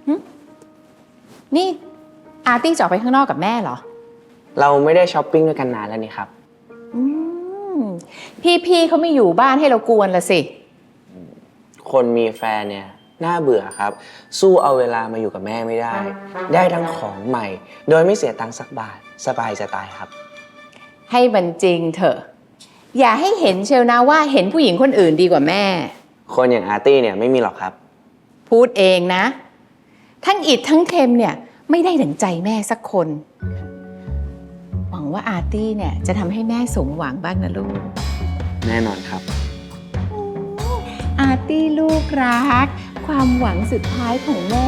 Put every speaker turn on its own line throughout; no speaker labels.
นี่อาร์ตี้จะออกไปข้างนอกกับแม่เหรอ
เราไม่ได้ช้อปปิ้งด้วยกันนานแล้วนี่ครับ
พี่เขาไม่อยู่บ้านให้เรากวนละสิ
คนมีแฟนเนี่ยน่าเบื่อครับสู้เอาเวลามาอยู่กับแม่ไม่ได้ได้ทั้งของใหม่โดยไม่เสียตังค์สักบาทสบายจะตายครับ
ให้มันจริงเถอะอย่าให้เห็นเชียวนะว่าเห็นผู้หญิงคนอื่นดีกว่าแม่
คนอย่างอาร์ตี้เนี่ยไม่มีหรอกครับ
พูดเองนะทั้งอิดทั้งเทมเนี่ยไม่ได้ดั่งใจแม่สักคนหวังว่าอาร์ตี้เนี่ยจะทำให้แม่สมหวังบ้างนะลูก
แน่นอนครับ
อาร์ตี้ลูกรักความหวังสุดท้ายของแม่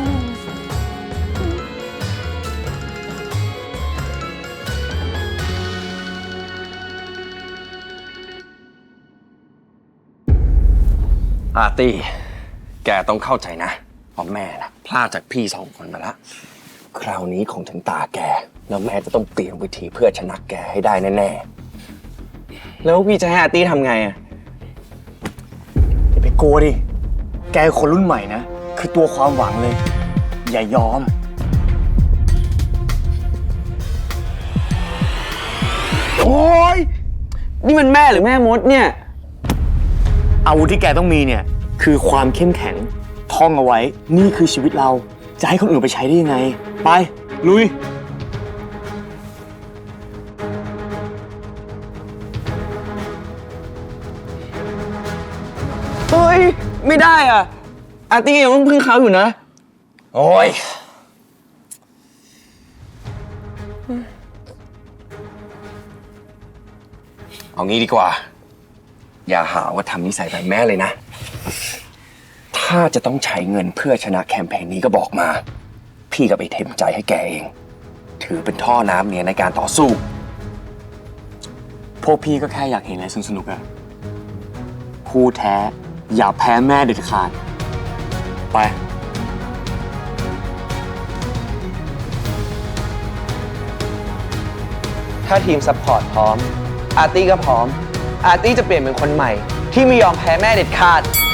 อาร์ตี้แกต้องเข้าใจนะเพราะแม่นะพลาดจากพี่2 คนมาแล้วคราวนี้คงถึงตาแกแล้วแม่จะต้องเปลี่ยนวิธีเพื่อชนะแกให้ได้แน่
ๆแล้วพี่จะให้อาร์ตี้ทำไงอ่ะ
อย่าไปโกลัวดิแกคนรุ่นใหม่นะคือตัวความหวังเลยอย่ายอม
โอ้ยนี่มันแม่หรือแม่มดเนี่ย
อาวุธที่แกต้องมีเนี่ยคือความเข้มแข็งท่องเอาไว้นี่คือชีวิตเราจะให้คนอื่นไปใช้ได้ยังไงไปลุย
เฮ้ยไม่ได้อ่ะอาร์ตี้ยังต้องพึ่งเขาอยู่นะ
โอ้ยเอางี้ดีกว่าอย่าหาว่าทำนิสัยแบบแม่เลยนะถ้าจะต้องใช้เงินเพื่อชนะแคมเปญนี้ก็บอกมาพี่ก็ไปเต็มใจให้แกเองถือเป็นท่อน้ำเนี่ยในการต่อสู้
พวกพี่ก็แค่อยากเห็นอะไรสนุกๆอะคู่แท้อย่าแพ้แม่เด็ดขาดไป
ถ้าทีมซัพพอร์ตพร้อมอาร์ตี้ก็พร้อมอาร์ตี้จะเปลี่ยนเป็นคนใหม่ที่ไม่ยอมแพ้แม่เด็ดขาด